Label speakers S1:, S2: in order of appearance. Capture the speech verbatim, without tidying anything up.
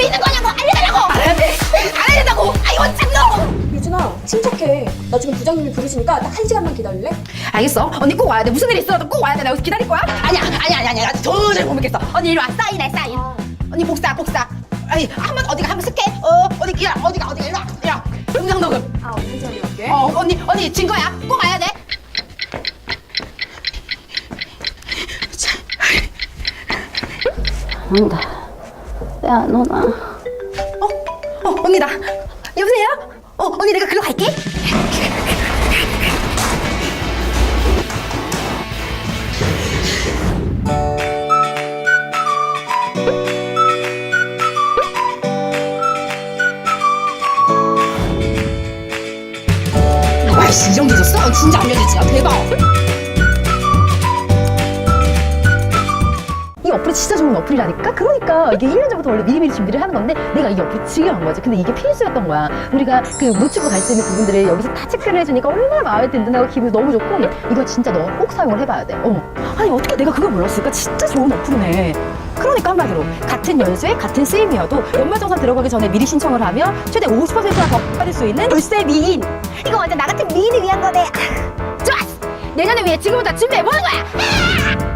S1: 집에 있는 거냐고 알려달라고. 알아야 돼. 알아야 된다고. 아이고 참너.
S2: 유진아, 침착해. 나 지금 부장님이 부르시니까 딱 한 시간만 기다릴래?
S1: 알겠어. 언니 꼭 와야 돼. 무슨 일 있어도 꼭 와야 돼. 나 여기서 기다릴 거야. 아니야, 아니야, 아니야, 아니야. 나 도저히 못 믿겠어. 언니 이리 와. 사인해, 사인.
S2: 아.
S1: 언니 복사, 복사. 아니 한번 어디가 한번 스캔. 어, 어디 야, 어디가 어디가 이리 와. 이리 와. 음성 녹음.
S2: 아, 언니 전에 갈게.
S1: 어, 언니, 언니 진 거야. 꼭 와야 돼.
S3: 안다. 왜안 오나?
S1: 어, 어, 언니다. 여보세요? 어, 언니 내가 글로 갈게. 와이씨, 이 정도 줬어? 진짜 안 믿어지지? 아, 대박.
S4: 이 어플이 진짜 좋은 어플이라니까? 그러니까 이게 일 년 전부터 원래 미리미리 준비를 하는 건데 내가 이 어플이 지겨운 거지. 근데 이게 필수였던 거야. 우리가 그 놓치고 갈 수 있는 부분들을 여기서 다 체크를 해주니까 얼마나 마음에 든든하고 기분이 너무 좋고 이거 진짜 너 꼭 사용을 해봐야 돼. 어. 아니 어떻게 내가 그걸 몰랐을까? 진짜 좋은 어플이네. 그러니까 한마디로 같은 연수에 같은 쓰임이어도 연말정산 들어가기 전에 미리 신청을 하면 최대 오십 퍼센트나 더 받을 수 있는 월세 미인. 이거 완전 나 같은 미인을 위한 거네. 아, 좋았어. 내년을 위해 지금부터 준비해보는 거야. 아!